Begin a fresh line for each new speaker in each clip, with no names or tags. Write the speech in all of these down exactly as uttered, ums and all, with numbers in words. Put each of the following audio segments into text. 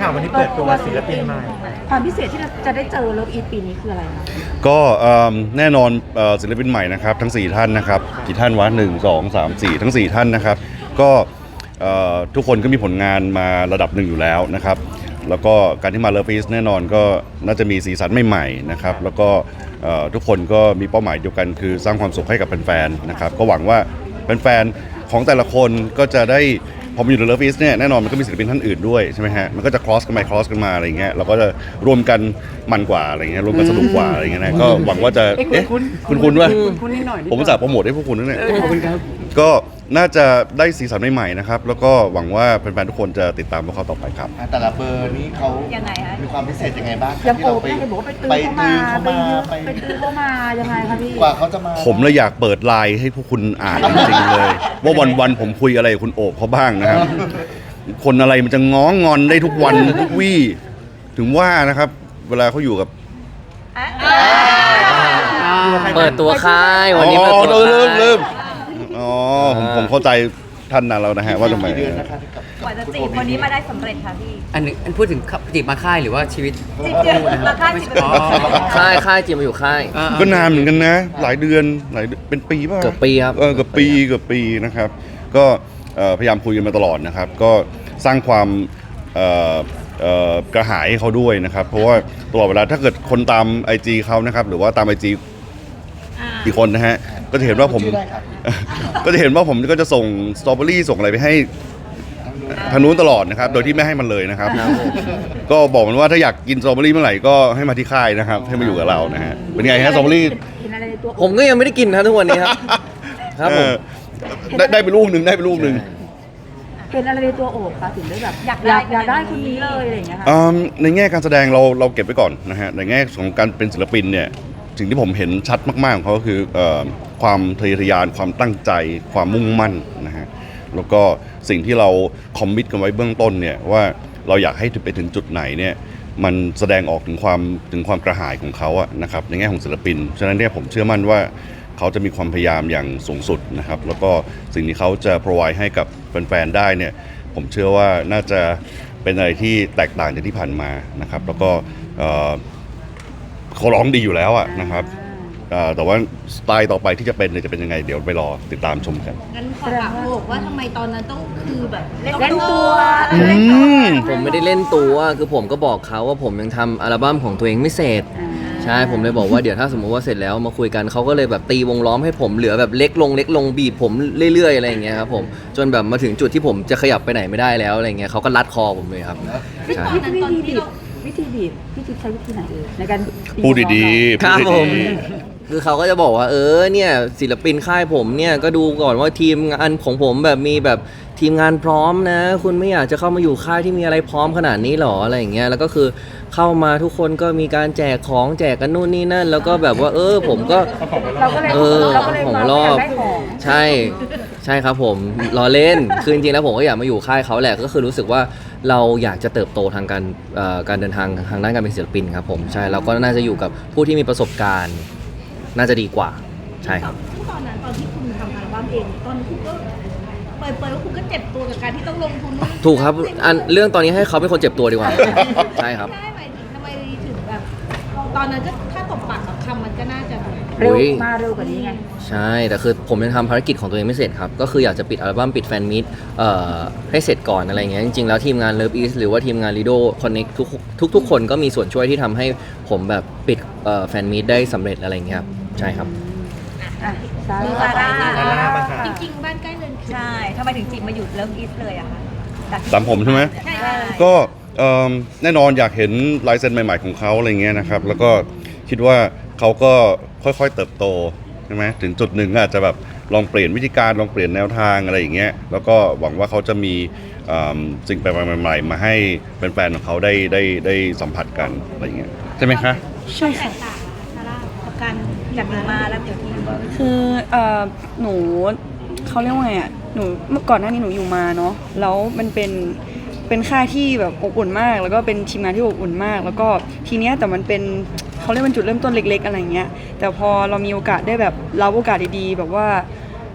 ค่ะวันนี้เปิดตัวศิลปินใหม่
ความพิเศษที่เราจะได้เจอเลิฟอีทปีนี้คืออะไรคะ
ก็แน่นอนศิลปินใหม่นะครับทั้งสี่ท่านนะครับกี่ท่านวะหนึ่งสองสามสี่ทั้งสี่ท่านนะครับก็ทุกคนก็มีผลงานมาระดับหนึ่งอยู่แล้วนะครับแล้วก็การที่มาเลิฟอีทแน่นอนก็น่าจะมีสีสันใหม่ๆนะครับแล้วก็ทุกคนก็มีเป้าหมายเดียวกันคือสร้างความสุขให้กับแฟนๆนะครับก็หวังว่าแฟนๆของแต่ละคนก็จะได้พอมาอยู่ในเลิฟอีสเนี่ยแน่นอนมันก็มีศิลปินท่านอื่นด้วยใช่ไหมฮะมันก็จะ cross กันไป cross กันมาอะไรเงี้ยเราก็จะรวมกันมันกว่าอะไรเงี้ยรวมกันสนุกกว่าอะไรเงี้ยนะก็หวังว่าจะเอ๊ะคุณคุณว่าผมจะโปรโมทให้พวกคุณนั่นแหละก็น่าจะได้สีสันใหม่ๆนะครับแล้วก็หวังว่าแฟนๆทุกคนจะติดตามพวกเขาต่อไปครับ
แต่ละเบอร์นี้เขายังไงฮะมีความพิเศษยังไงบ้าง
ยังโอบได้บอกว่าไปตื้อเข้ามาไปตื้อเข้ามายังไงคะพี่
กว่าเขาจะมา
ผมเลยอยากเปิดไลน์ให้พวกคุณอ่านจริงๆเลยว่าวันๆผมคุยอะไรกับคุณโอบเขาบ้างนะครับคนอะไรมันจะง้องงอนได้ทุกวันทุกวี่ถึงว่านะครับเวลาเขาอยู่กับ
เปิดตัวค่ายวันนี้
เปิดตัว
เริ่
มเริ่มอ๋อผมผมเข้าใจท่านนั้นแล้วนะฮะว่าทำไม
กว่าจะจีบคนนี้มาได้สำเร็จค่ะพี่
อันนี้อันพูดถึงจีบมาค่ายหรือว่าชีวิต
จีบมาค่ายจีบ
ค่ายค่ายจีบมาอยู่ค่าย
ก็นานเหมือนกันนะหลายเดือนหลายเป็นปีป่ะ
เกือบปีครับ
เออเกือบปีเกือบปีนะครับก็พยายามคุยกันมาตลอดนะครับก็สร้างความกระหายให้เขาด้วยนะครับเพราะว่าตลอดเวลาถ้าเกิดคนตาม ไอ จี เขานะครับหรือว่าตาม ไอ จี อีกคนนะฮะก็จะเห็นว่าผมก็จะเห็นว่าผมก็จะส่งสตรอเบอรี่ส่งอะไรไปให้ทางนู้นตลอดนะครับโดยที่ไม่ให้มันเลยนะครับก็บอกมันว่าถ้าอยากกินสตรอเบอรี่เมื่อไหร่ก็ให้มาที่ค่ายนะครับให้มาอยู่กับเรานะฮะเป็นไงฮะสตรอเบอรี่
ผมก็ยังไม่ได้กินนะทุกวันนี้ครับครับผม
ได้ได้ไปลูกหนึ่งได้ไปลูกหนึ่ง
เป็นอะไรในตัวโอบคะถึงได้แบบอยากได้อยากได้คนนี้เลยอะไรอย่างเงี้ยค่ะ
ในแง่การแสดงเราเราเก็บไว้ก่อนนะฮะในแง่ของการเป็นศิลปินเนี่ยสิ่งที่ผมเห็นชัดมากๆของเขาก็คือความทะเยอทะยานความตั้งใจความมุ่งมั่นนะฮะแล้วก็สิ่งที่เราคอมมิตกันไว้เบื้องต้นเนี่ยว่าเราอยากให้ไปถึงจุดไหนเนี่ยมันแสดงออกถึงความถึงความกระหายของเขาอะนะครับในแง่ของศิลปินฉะนั้นเนี่ยผมเชื่อมั่นว่าเขาจะมีความพยายามอย่างสูงสุดนะครับแล้วก็สิ่งที่เขาจะ provide ให้กับแฟนๆได้เนี่ยผมเชื่อว่าน่าจะเป็นอะไรที่แตกต่างจากที่ผ่านมานะครับแล้วก็เขาร้องดีอยู่แล้วอะนะครับแต่ว่าสไตล์ต่อไปที่จะเป็นจะเป็นยังไงเดี๋ยวไปรอติดตามชมกัน
งั้นขอถามโอบว่าทำไมตอนนั้นต้องคือแบบเ
ล่นตัว
ผมไม่ได้เล่นตัวคือผมก็บอกเขาว่าผมยังทำอัลบั้มของตัวเองไม่เสร็จใช่ผมเลยบอกว่าเดี๋ยวถ้าสมมติว่าเสร็จแล้วมาคุยกันเขาก็เลยแบบตีวงล้อมให้ผมเหลือแบบเล็กลงเล็กลงบีบผมเรื่อยๆอะไรอย่างเงี้ยครับผมจนแบบมาถึงจุดที่ผมจะขยับไปไหนไม่ได้แล้วอะไรเงี้ยเขาก็รัดคอผมเลยครับ
ใช่วิธีบีบวิธีบีบพี่จิ๊บใช้วิธีไหนเองในการ
พูดดีๆ
ครับผมคือเขาก็จะบอกว่าเออเนี่ยศิลปินค่ายผมเนี่ยก็ดูก่อนว่าทีมงานของผมแบบมีแบบทีมงานพร้อมนะคุณไม่อยากจะเข้ามาอยู่ค่ายที่มีอะไรพร้อมขนาดนี้หรออะไรอย่างเงี้ยแล้วก็คือเข้ามาทุกคนก็มีการแจกของแจกกันนู่นนี่นั่นแล้วก็แบบว่าเออผมก็เออผมรอบใช่ใช่ครับผมรอเล่นคือจริงๆแล้วผมก็อยากมาอยู่ค่ายเขาแหละก็คือรู้สึกว่าเราอยากจะเติบโตทางการการเดินทางทางด้านการเป็นศิลปินครับผมใช่เราก็น่าจะอยู่กับผู้ที่มีประสบการณ์น่าจะดีกว่าใช่ครับ
ตอนนั้นตอนที่คุณทำอัลบั้มเองตอนคุณก็เปิดเปิดว่าคุณก็เจ็บตัวกับการที่ต้องลงทุน
ถูกครับอันเรื่องตอนนี้ให้เขาเป็นคนเจ็บตัวดีกว่าใช่ครับ
ใช่หมายถึงทำไมถึงแบบตอนนั้นก็ถ้าตบปากกับคำมันก็น่าจะ
เร็วมาเร็วกว่านี้ไง
ใช่แต่คือผมยังทำภารกิจของตัวเองไม่เสร็จครับก็คืออยากจะปิดอัลบั้มปิดแฟนมิตเอ่อให้เสร็จก่อนอะไรเงี้ยจริงๆแล้วทีมงาน Love East หรือว่าทีมงาน Lido Connect ทุกทุกทุกคนก็มีส่วนช่วยที่ทำให้ผมแบบปิดเอ่อแฟนมิตได้สำเร็จอะไรเงี้ยครับใช่ครับ
ซาร่าจริงๆบ้านใกล้เรือนใช่ทำไมถึงจีบมาอยู่เลิฟอีสเลยอะคะ
ตามผมใช่ไหมก็แน่นอนอยากเห็นลายเซ็นใหม่ๆของเขาอะไรเงี้ยนะครับแล้วก็คิดว่าเขาก็ค่อยๆเติบโตใช่ไหมถึงจุดหนึ่งอาจจะแบบลองเปลี่ยนวิธีการลองเปลี่ยนแนวทางอะไรอย่างเงี้ยแล้วก็หวังว่าเขาจะมีสิ่งแปลกๆใหม่ๆมาให้แฟนๆของเขาได้ได้ได้สัมผัสกันอะไรอย่างเงี้ยใช่ไหมคะ
ใช่ค่ะ
ซาร่ากับการจากมาแล้วเดี๋ยวที่
คือเอ่อหนูเขาเรียกว่าไงอ่ะหนูเมื่อก่อนหน้านี้หนูอยู่มาเนาะแล้วมันเป็นเป็นค่ายที่แบบอบอุ่นมากแล้วก็เป็นทีมงานที่อบอุ่นมากแล้วก็ทีเนี้ยแต่มันเป็นเขาเรียกเป็นจุดเริ่มต้นเล็กๆอะไรเงี้ยแต่พอเรามีโอกาสได้แบบรับโอกาสดีๆแบบว่า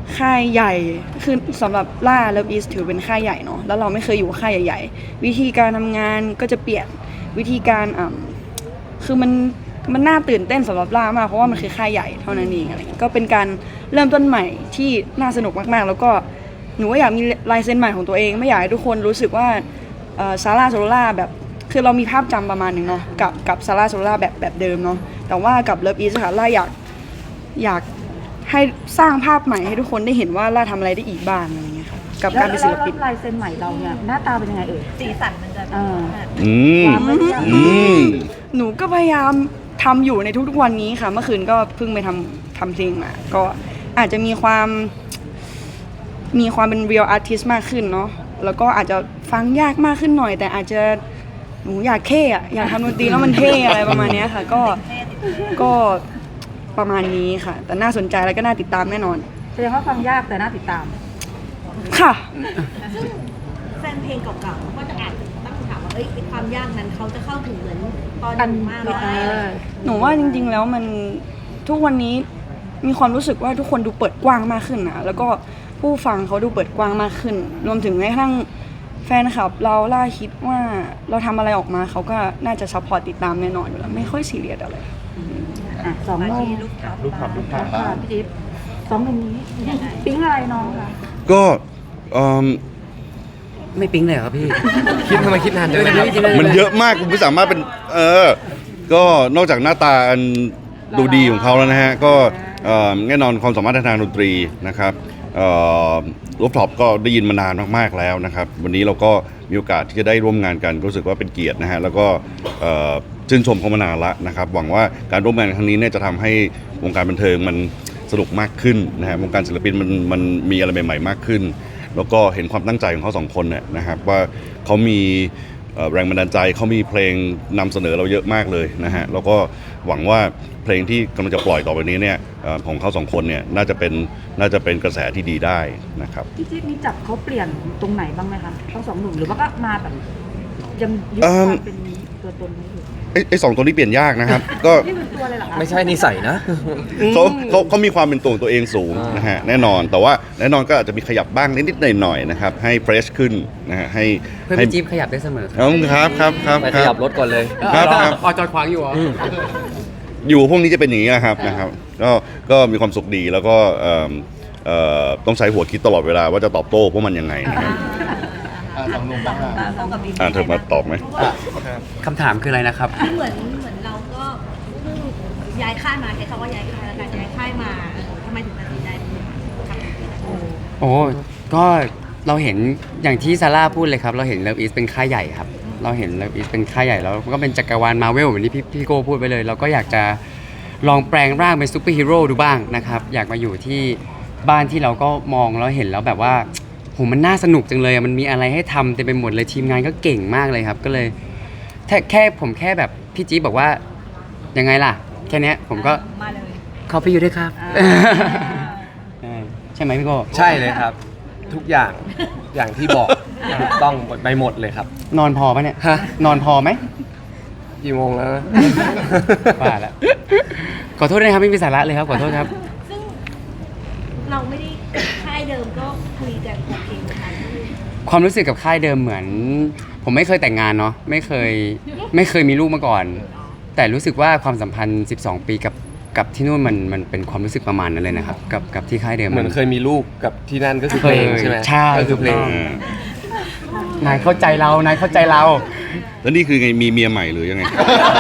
ค่ายใหญ่คือสำหรับล่าเลิฟอีสถือเป็นค่ายใหญ่เนาะแล้วเราไม่เคยอยู่ค่ายใหญ่ๆวิธีการทำงานก็จะเปลี่ยนวิธีการอ่าคือมันมันน่าตื่นเต้นสำหรับล่ามากเพราะว่ามันคือค่ายใหญ่เท่านั้นเองอะไรเงี้ยก็เป็นการเริ่มต้นใหม่ที่น่าสนุกมากๆแล้วก็หนูก็อยากมีลายเซ็นใหม่ของตัวเองไม่อยากให้ทุกคนรู้สึกว่าซาร่าโซล่าแบบคือเรามีภาพจำประมาณหนึ่งเนาะกับกับซาร่าโซล่าแบบแบบเดิมเนาะแต่ว่ากับเลิฟอีสค่ะล่าอยากอยากให้สร้างภาพใหม่ให้ทุกคนได้เห็นว่าล่าทำอะไรได้อีกบ้างอะไรเงี้ยค่ะกับการเป็นศิลปิน
แล้วลายเซ็นใหม่เราเนี่ยหน้าตาเป็นยังไงเอ่ย
สีสันมันจะ
เออ
อืม
ความไม่ยาก
อืม
หนูก็พยายามทำอยู่ในทุกๆวันนี้ค่ะเมื่อคืนก็เพิ่งไปทำทำเพลงมาก็อาจจะมีความมีความเป็น real artist มากขึ้นเนาะแล้วก็อาจจะฟังยากมากขึ้นหน่อย แต่อาจจะหนูอยากเท่อะอยากทำดนตรีแล้วมันเท่อะไรประมาณเนี้ยค่ะก็ก็ประมาณนี้ค่ะ แต่น่าสนใจแล้วก็น่าติดตามแน่นอน
แสดงว่าฟังยากแต่น่าติดตาม
ค่ะ
ซึ่งแฟนเพลงเก่าๆก็จะอาจจะตั้งคำถามว่าเอ้ยไอ้ความยากนั้นเขาจะเข้าถึงเหมือนตอน
กัน
มาก
เอ
ไหม
อ
หนูว่าจริงๆแล้วมันทุกวันนี้มีความรู้สึกว่าทุกคนดูเปิดกว้างมากขึ้นนะแล้วก็ผู้ฟังเขาดูเปิดกว้างมากขึ้น รวมถึงแม้กระทั่งแฟนคลับเราล่าคิดว่าเราทำอะไรออกมาเขาก็น่าจะซัพพอร์ตติดตามแน่นอนอยู่แล้วไม่ค่อยซีเรียสอะไร
อ่ะสอง
มา
โมง
ที่ลูกท็อป
ลูกขับลูกขับ
ค่ะพี่จิ๊บสองหนุ่มนี้ปิ๊งอะไรน้องคะ
ก็เอิ่ม
ไม่ปิ๊งเลยเหรอครับพี่ คิดทำไมคิดนานจังเลยครับ
มันเยอะมากคุณไม่สามารถเป็น เออ ก็นอกจากหน้าตาอันดูดีของเขาแล้วนะฮะ ก็เอ่อแน่นอนความสามารถทางดนตรีนะครับรูปท็อปก็ได้ยินมานานมากๆแล้วนะครับ วันนี้เราก็มีโอกาสที่จะได้ร่วมงานกันรู้สึกว่าเป็นเกียรตินะฮะ แล้วก็เอ่อชื่นชมเขามานานละนะครับ หวังว่าการร่วมงานครั้งนี้เนี่ยจะทำให้วงการบันเทิงมันสนุกมากขึ้นนะฮะ วงการศิลปินมันมันมีอะไรใหม่ๆมากขึ้น แล้วก็เห็นความตั้งใจของเขาสองคนเนี่ยนะครับว่าเขามีเอ่อแรงบันดาลใจเขามีเพลงนำเสนอเราเยอะมากเลยนะฮะแล้วก็หวังว่าเพลงที่กำลังจะปล่อยต่อไปนี้เนี่ยเอ่อของเขาสองคนเนี่ยน่าจะเป็นน่าจะเป็นกระแสที่ดีได้นะครับ
พี่จิ๊บมีจับเขาเปลี่ยนตรงไหนบ้างไหมคะทั้งสองหนุ่มหรือว่าก็มาแบบยังยึด
เอิ่
ความ มเป็นตัวตนนี้อยู่
ไอ้ไอ้สองตัวนี้เปลี่ยนยากนะครับ ก็
นี่เป็นตัวเลยเหรอคะ
ไม่ใช่นิสัยนะ
เขาเขาเขามีความเป็นตัวของตัวเองสูงนะฮะแน่นอนแต่ว่าแน่นอนก็อาจจะมีขยับบ้างนิดๆหน่อยๆนะครับให้เฟรชขึ้นนะฮะให้
เพื่อน
ให้
พี่จิ๊บขยับได้เสมอครับ
ครับครับครับ
ไป
ค
ข
รั
ยั
บ
บรถก่อนเลย
ครับครับ
อ๋อจอดขวางอยู่เหรอ
อยู่พวกนี้จะเป็นอย่างนี้นะครับนะครับก็ก็มีความสุขดีแล้วก็เอิ่มเอ่อต้องใช้หัวคิดตลอดเวลาว่าจะตอบโต้พวกมันยังไงนะครับ
อ่ะสองหนุ่มบ้างอ่ะ
เขากับบิ๊ก
อ่าเธอมาตอบไหม
คำถามคืออะไรนะครับ
เหมือนเหมือนเราก็เพิ่งย้ายค่ายมาใช้คำว่าย้ายค่ายแล้วกันย้ายค่ายมาเออทำไมถึงตัดสินใจทำแบบนี้
โอ้ก็เราเห็นอย่างที่ซาร่าพูดเลยครับ เราเห็นเลิฟอีสเป็นค่ายใหญ่ครับ เราเห็นเลิฟอีสเป็นค่ายใหญ่แล้วก็เป็นจักรวาลมาเวลเหมือนที่พี่พี่โก้พูดไปเลย เราก็อยากจะลองแปลงร่างเป็นซูเปอร์ฮีโร่ดูบ้างนะครับ อยากมาอยู่ที่บ้านที่เราก็มองแล้วเห็นแล้วแบบว่าโหมันน่าสนุกจังเลยอะมันมีอะไรให้ทำเต็มไปหมดเลยทีมงานก็เก่งมากเลยครับ ก็เลยแค่แค่ผมแค่แบบพี่จี๊บบอกว่ายังไงล่ะ แค่เนี้ยผมก็
มาเลย
เข้าไปอยู่ด้วยครับ ใช่ใช่ไหมพี่โก้
ใช่เลยครับ ทุกอย่างอย่างที่บอกถูกต้องไปหมดเลยครับ
นอนพอปะเนี่ย
ฮะ
นอนพอไหม
กี่โมงแล้วนะ
ว่าแล้วขอโทษนะครับไม่มีสาระเลยครับขอโทษครับ
ซึ่งเราไม่ได้ค่ายเดิมก็คุยกันโอเคนะคะ
ความรู้สึกกับค่ายเดิมเหมือน ผมไม่เคยแต่งงานเนาะไม่เคยไม่เคยมีลูกมาก่อน แต่รู้สึกว่าความสัมพันธ์สิบสองปีกับกับที่นู่นมันมันเป็นความรู้สึกประมาณนั้นเลยนะครับกับกับที่ค่ายเดิม
เหมือนเคยมีลูกกับที่นั่นก็คือเพลงใช่ไหม
ใช่
ก็คือเพลง
นายเข้าใจเรานายเข้าใจเรา
แล้วนี่คือไงมีเมียใหม่หรือยังไง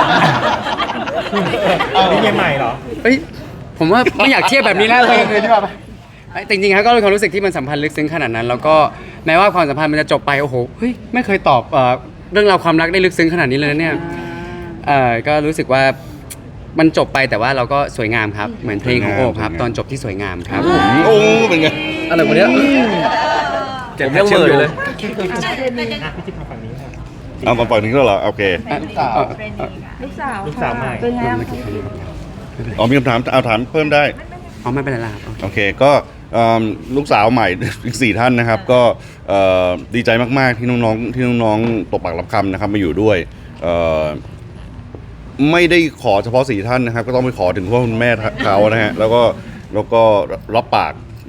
นี่เมียใหม่เหรอ
เฮ้ยผมว่าไม่อยากเทียบแบบนี้แล้วเลยเลยดีกว่าไอ้จริงๆครับก็เป็นความรู้สึกที่มันสัมพันธ์ลึกซึ้งขนาดนั้น แล้วก็แม้ว่าความสัมพันธ์มันจะจบไปโอ้โหเฮ้ยไม่เคยตอบเอ่อเรื่องราวความรักได้ลึกซึ้งขนาดนี้เลยนะเนี่ยเอ่อก็รู้สึกว่ามันจบไปแต่ว่าเราก็สวยงามครับเหมือนเพลงของโอบครับตอนจบที่สวยงามครับ
โอ้เป็นไง
อะไรคนเนี้ย
เก็บ
ผมยังเหม่ออยู่เลย
อ่ะพี่จิ๊บมาฝั่งนี้ครับ
เอามาปล่อยนี้ก็เหรอโอเค
ลูกสาว
ลูกสาว
ลูกสาวใหม่
เป็นไงบ้าง
อ๋อมีคำถามเอาถามเพิ่มได้
อ๋อไม่เป็นไรละครับ
โอเคก็เอิ่มลูกสาวใหม่ อีกสี่ท่านนะครับ ก็เอ่อดีใจมากๆที่น้องๆที่น้องๆตกปากรับคำนะครับมาอยู่ด้วยเอ่อไม่ได้ขอเฉพาะสี่ท่านนะครับ ก็ต้องไปขอถึงพ่อคุณแม่เขานะฮะแล้วก็แล้วก็รับปาก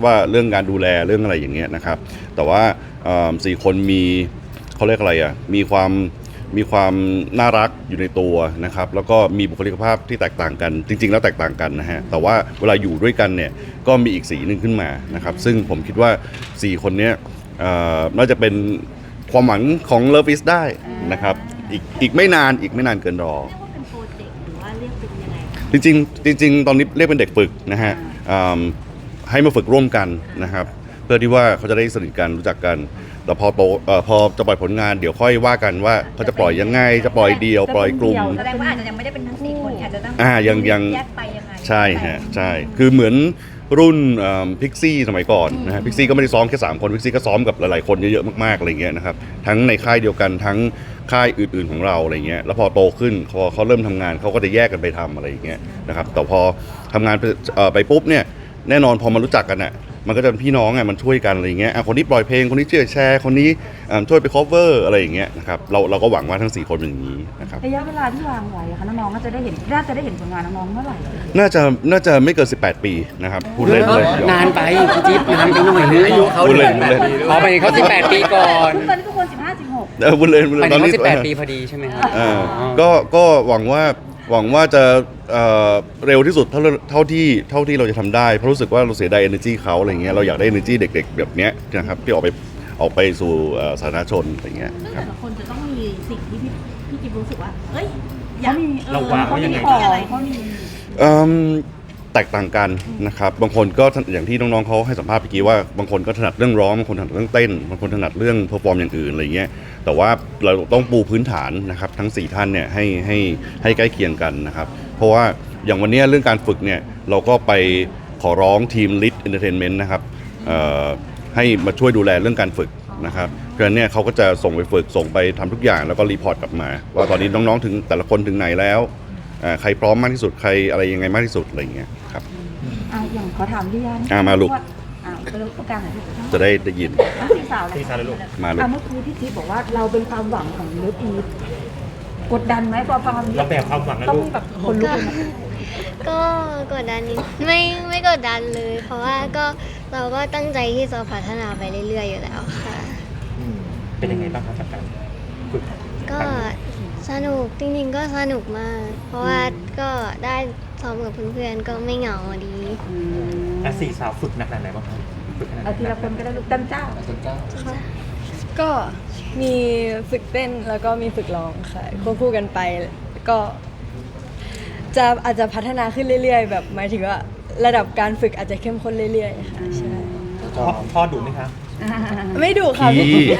ว่าเรื่องการดูแลเรื่องอะไรอย่างเงี้ยนะครับแต่ว่าเอ่อสี่คนมีเขาเรียกอะไรอ่ะมีความมีความน่ารักอยู่ในตัวนะครับแล้วก็มีบุคลิกภาพที่แตกต่างกันจริงๆแล้วแตกต่างกันนะฮะแต่ว่าเวลาอยู่ด้วยกันเนี่ยก็มีอีกสีหนึ่งขึ้นมานะครับซึ่งผมคิดว่าสี่คนเนี้ยเอ่อน่าจะเป็นความหวังของ Love Is ได้นะครับอีกอีกไม่นานอีกไม่นานเกินรอ
เรียกว่าเป็นโปรเจกต์หรือว่าเรียกเป็นยังไงคะ
จริงๆจริงๆตอนนี้เรียกเป็นเด็กฝึกนะฮะอืมให้มาฝึกร่วมกันนะครับเพื่อที่ว่าเขาจะได้สนิทกันรู้จักกันแต่พอโตเอ่อพอจะปล่อยผลงานเดี๋ยวค่อยว่ากันว่าเขาจะปล่อยยังไงจะปล่อยเดียวปล่อยกลุ่ม
แสดงว่าอาจจะยังไม่ได้เป็นทั้งสี่คนอาจจะต้อง
อ่ายังยัง
แยกไปยังไง
ใช่ฮะใช่คือเหมือนรุ่นพิกซี่สมัยก่อนนะฮะพิกซี่ก็ไม่ได้ซ้อมแค่สามคนพิกซี่ก็ซ้อมกับหลายๆคนเยอะๆมากๆอะไรเงี้ยนะครับทั้งในค่ายเดียวกันทั้งค่ายอื่นๆของเราอะไรเงี้ยแล้วพอโตขึ้นพอเขาเริ่มทำงานเขาก็จะแยกกันไปทำอะไรอย่างเงี้ยนะครับแต่พอทำงานไปเอ่อไปปุ๊บเนี่ยแน่นอนพอมารู้จักกันอ่ะมันก็จะเป็นพี่น้องอ่ะมันช่วยกันอะไรเงี้ยอ่ะคนนี้ปล่อยเพลงคนนี้ช่วยแชร์คนนี้อ่าช่วยไป cover อะไรอย่างเงี้ยนะครับเราเราก็หวังว่าทั้งสี่คนเป็นอย่างนี้นะครับ
ระยะเวลาที่วางไว้อะคะน้องๆก็จะได้เห็นน่าจะได้เห็นผลงานน้องๆเมื่อไหร่
น่าจะน่าจะไม่เกินสิบแปดปีนะครับพูดเล่นเลย
นานไปพี่จิ๊บนานไปหน่อยนึง
อายุเขา
พูดเล่นพูดเล่น
ขอไปเขาสิบแปดปีก่อน
ตอนนี้ทุกคนสิบห้าสิบหก
เออพูดเล่นพูด
ไป
เล่น
ถึ
ตอง น
เขา
นี้
สิบแปดปีพอดีใช่ไหมครับ
เออก็ก็หวังว่าหวังว่าจะเอ่อเร็วที่สุดเท่าเท่าที่เท่าที่เราจะทำได้เพราะรู้สึกว่าเราเสียดาย energy เขาอะไรเงี้ยเราอยากได้ energy เด็กๆแบบเนี้ยนะครับที่ออกไปออกไปสู่เอ่อสาธารณชนอะไรเงี้ย
ซึ่ง
ครั
แต่
บ
ละคนจะต้องมีสิ่งที่พี่พี่จิ๊บรู้สึกว่าเอ้ยอยา
เขา
ก
มี
เราวางไว้ยังไง
เขามีอะไรเขามี
เอิ่มแตกต่างกันนะครับบางคนก็อย่างที่น้องๆเขาให้สัมภาษณ์เมื่อกี้ว่าบางคนก็ถนัดเรื่องร้องบางคนถนัดเรื่องเต้นบางคนถนัดเรื่องเพอร์ฟอร์มอย่างอื่นอะไรเงี้ยแต่ว่าเราต้องปูพื้นฐานนะครับทั้งสี่ท่านเนี่ยให้ให้ให้ใกล้เคียงกันนะครับเพราะว่าอย่างวันนี้เรื่องการฝึกเนี่ยเราก็ไปขอร้องทีม Lit Entertainment นะครับเอ่อให้มาช่วยดูแลเรื่องการฝึกนะครับเพราะฉะนั้นเนี่ยเขาก็จะส่งไปฝึกส่งไปทำทุกอย่างแล้วก็รีพอร์ตกลับมาว่าตอนนี้น้องๆถึงแต่ละคนถึงไหนแล้วอ่าใครพร้อมมากที่สุดใครอะไรยังไงมากที่สุดอะไรอย่างเงี้ยครับ
อ่ะอย่างขอถามพี่ยัน
อ่ะมาลูก
อ่ะไปลูกตรงกลางหน่อยพี่
จะได้ได้ยิน
ทั้งสี่สาวเลย
สี่สาวเลยลูก
มาลูก
อ่ะเมื่อกี้พี่จิ๊บบอกว่าเราเป็นความหวังของเลิฟอีฟกดดันไหมพอฟังคำนี้
เราแบกความหวังนะ
ต้อง
ลูก
แบบคนลุกเลยนะ
ก็กดดันนิดไม่ไม่กดดันเลย เพราะว่าก็เราก็ตั้งใจที่จะพัฒนาไปเรื่อยๆอยู่แล้วค่ะ
อืมเป็นยังไงบ้างครับจากการฝึก
ก็สนุกจริงๆก็สนุกมาก เพราะว่าก็ได้ซ้อมกับเพื่อนๆก็ไม่เหงาดี
อ่ะสี่สาวฝึกหนักขนาดไหนบ้างครับฝึกขนาดไหน
เอาทีละคนก็ได้ลูกตั้งเจ้า
อาจารย์เจ้า
ก็มีฝึกเต้นแล้วก็มีฝึกร้องค่ะควบคู่กันไปก็จะอาจจะพัฒนาขึ้นเรื่อยๆ แบบหมายถึงว่าระดับการฝึกอาจจะเข้มข้นเรื่อยๆค่ะใช่
พ่อพ่อดุไหมคะ
ไม่ดุค่ะ
พี่
พี่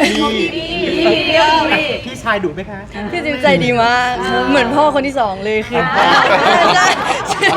พี่ชายดุไหมคะ
พี่จิ๊บใจดีมากเหมือนพ่อคนที่สองเลยคือใช่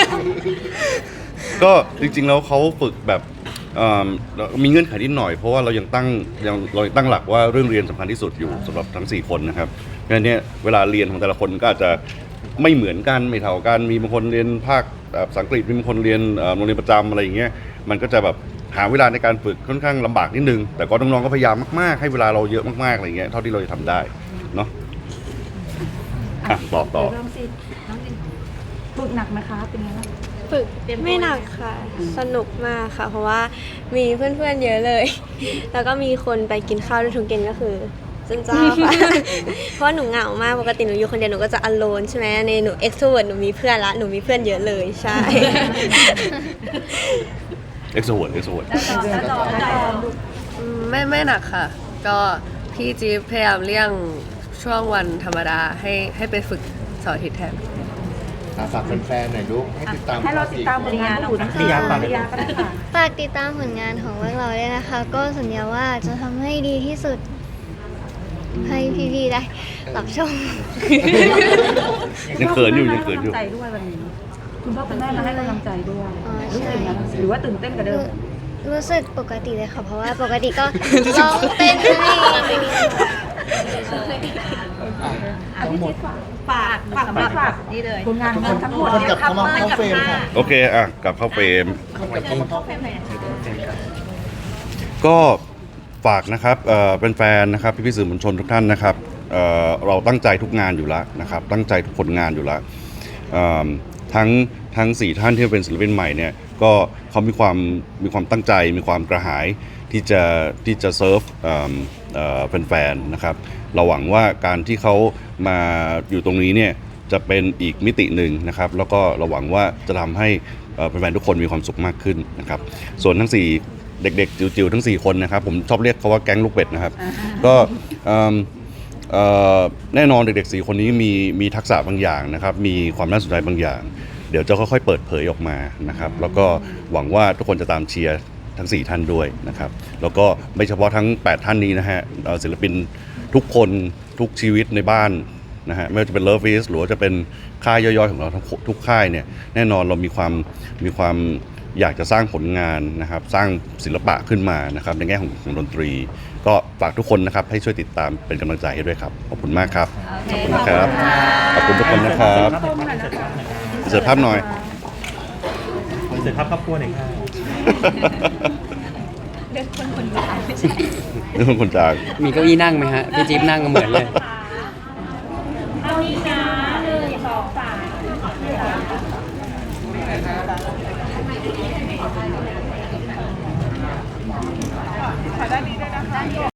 ก็จริงๆแล้วเขาฝึกแบบเอิ่มมีเงื่อนไขนิดหน่อยเพราะว่าเรายังตั้งยังเรายังตั้งหลักว่าเรื่องเรียนสำคัญที่สุดอยู่สำหรับทั้งสี่คนนะครับเพราะฉะนั้นเนี่ยเวลาเรียนของแต่ละคนก็อาจจะไม่เหมือนกันไม่เท่ากันมีบางคนเรียนภาคแบบภาษาอังกฤษมีบางคนเรียนเอ่อโรงเรียนประจำอะไรอย่างเงี้ยมันก็จะแบบหาเวลาในการฝึกค่อนข้างลำบากนิดนึงแต่ก็น้องๆก็พยายามมากๆให้เวลาเราเยอะมากๆอะไรอย่างเงี้ยเท่าที่เราจะทำได้เนาะอ่ะต่อต่อ
เริ่มสิน้องจินฝึกหนักไหมคะเป็นไงบ้าง
ฝึกไม่หนักค่ะ สนุกมากค่ะ เพราะว่ามีเพื่อนๆเยอะเลย แล้วก็มีคนไปกินข้าวด้วยทุกเย็นก็คือจันเจ้าค่ะ เพราะหนูเหงามากปกติหนูอยู่คนเดียวหนูก็จะ alone ใช่ไหมในหนู extrovert หนูมีเพื่อนละหนูมีเพื่อนเยอะเลยใช่
เอ็กซ์โวร์ดเอ็กซ์โวร์ด
อืมไม่ไม่หนักค่ะ ก็พี่จี๊บพยายามเลี่ยงช่วงวันธรรมดาให้ให้ไปฝึกเสาร์อาทิตย์แทน
อ่ะฝากแฟนๆหน่อยลูกให้ติดตาม
ให้เราติดตามผลงานของทั้งสี่คนปริยาก็ได้ค่ะ
ฝากติดตามผลงานของพวกเราด้วยนะคะ ก็สัญญาว่าจะทำให้ดีที่สุด ให้พี่ๆได้รับชม
ยังเขินอยู่ยังเขินอยู่
ใจด้วยวันนี้คุณพ่อคุณแม่มาให้กำลังใจด้วย
อ๋อ
รู้สึก
ใช่
ยังไงบ้างหรือว่าตื่นเต้นกับเดิม
รู้สึกปกติเลยค่ะ เพราะว่าปกติก็ ร้องเต้นให้
อ่ะพี่จิ๊บฝาก
ฝากฝากสำหรับฝากนี่เลย
ผลงานของเราทั้งหมด
คนกลับเข้ามาเข้าเฟรมค่ะ
โอเคอ่ะกลับเข้าเฟรม
คนกลับเข้ามาเข้า
เข้าเฟรมไหนนะคะ
ก็ฝากนะครับเอ่อเป็นแฟนนะครับพี่ๆสื่อมวลชนทุกท่านนะครับเอ่อเราตั้งใจทุกงานอยู่แล้วนะครับตั้งใจทุกผลงานอยู่แล้วเอิ่มทั้งทั้งสี่ท่านที่เป็นศิลปินใหม่เนี่ยก็เขามีความมีความตั้งใจมีความกระหายที่จะที่จะเซิร์ฟเอ่อเอ่อแฟนๆนะครับเราหวังว่าการที่เขามาอยู่ตรงนี้เนี่ยจะเป็นอีกมิติหนึ่งนะครับแล้วก็เราหวังว่าจะทำให้เอ่อแฟนๆทุกคนมีความสุขมากขึ้นนะครับส่วนทั้งสี่เด็กๆจิ๋วๆทั้งสี่คนนะครับผมชอบเรียกเขาว่าแก๊งลูกเป็ดนะครับก็เอิ่มเอ่อแน่นอนเด็กๆสี่คนนี้มีมีทักษะบางอย่างนะครับมีความน่าสนใจบางอย่างเดี๋ยวจะค่อยๆเปิดเผยออกมานะครับแล้วก็หวังว่าทุกคนจะตามเชียร์ทั้งสี่ท่านด้วยนะครับแล้วก็ไม่เฉพาะทั้งแปดท่านนี้นะฮะเอ่อศิลปินทุกคนทุกชีวิตในบ้านนะฮะไม่ว่าจะเป็น Love Is หรือว่าจะเป็นค่ายย่อยๆของเราทุกทุกค่ายเนี่ยแน่นอนเรามีความมีความอยากจะสร้างผลงานนะครับสร้างศิลปะขึ้นมานะครับในแง่ของของดนตรี ก็ฝากทุกคนนะครับให้ช่วยติดตามเป็นกำลังใจให้ด้วยครับขอบคุณมากครับขอบคุณนะครับขอบคุณทุกคนนะครับเสิร์ฟภาพหน่อย
เสิร์ฟภาพครอบครัวหน่อยครับ
เด็กคนคนจ่าย
เรื่องคนจาก
มีเก้าอี้นั่งไหมฮะ พี่จิ๊บนั่งก็เหมือนเลย